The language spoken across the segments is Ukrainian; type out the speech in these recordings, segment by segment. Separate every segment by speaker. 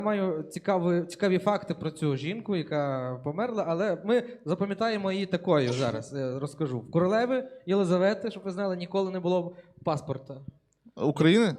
Speaker 1: Маю цікаві факти про цю жінку, яка померла, але ми запам'ятаємо її такою зараз. Розкажу. В королеви Єлизавети, щоб ви знали, ніколи не було паспорта.
Speaker 2: України?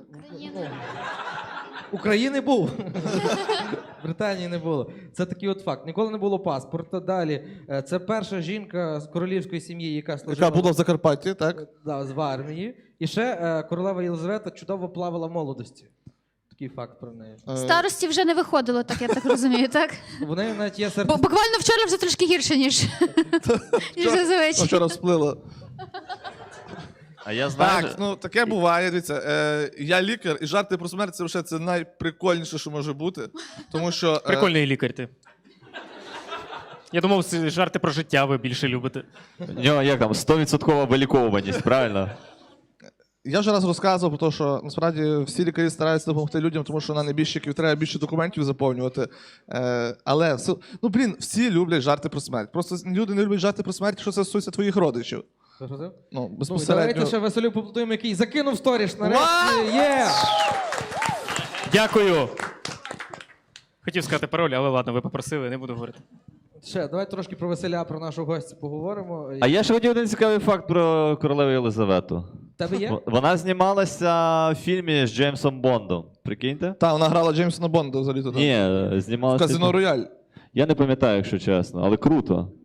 Speaker 1: України був. Британії не було. Це такий от факт. Ніколи не було паспорта. Далі. Це перша жінка з королівської сім'ї, яка служила...
Speaker 2: Яка була в Закарпатті, так?
Speaker 1: Да, в армії. І ще королева Єлизавета чудово плавала в молодості. Такий факт про неї.
Speaker 3: Старості вже не виходило, так я так розумію, так?
Speaker 1: В неї навіть є
Speaker 3: Бо буквально вчора вже трошки гірше, ніж зазвичай.
Speaker 2: Вчора всплила.
Speaker 4: А я знаю...
Speaker 2: Так, ну таке буває. Дивіться, я лікар, і жарти про смерть це найприкольніше, що може бути. Тому що...
Speaker 5: Прикольний лікар ти. Я думав, жарти про життя ви більше любите.
Speaker 4: У нього як там, 100% виліковуваність, правильно?
Speaker 2: Я вже раз розказував про те, що насправді всі лікарі стараються допомогти людям, тому що на небіжчиків треба більше документів заповнювати. Але, ну блін, всі люблять жарти про смерть. Просто люди не люблять жарти про смерть, що це стосується твоїх родичів. Ну, безпосередньо.
Speaker 1: Давайте ще Василю поплутуємо, який закинув сторіш нарешті. Є!
Speaker 5: Дякую. Хотів сказати пароль, але ладно, ви попросили, не буду говорити.
Speaker 1: Ще, давай трошки про Василя, про нашого гостя поговоримо.
Speaker 4: А я ще хотів один цікавий факт про королеву Єлизавету.
Speaker 1: Тебе є?
Speaker 4: Вона знімалася в фільмі з Джеймсом Бондом. Прикиньте?
Speaker 2: Так, вона грала Джеймсона Бонда взагалі туди.
Speaker 4: Ні, знімалася...
Speaker 2: Казино Рояль.
Speaker 4: Я не пам'ятаю, якщо чесно, але круто.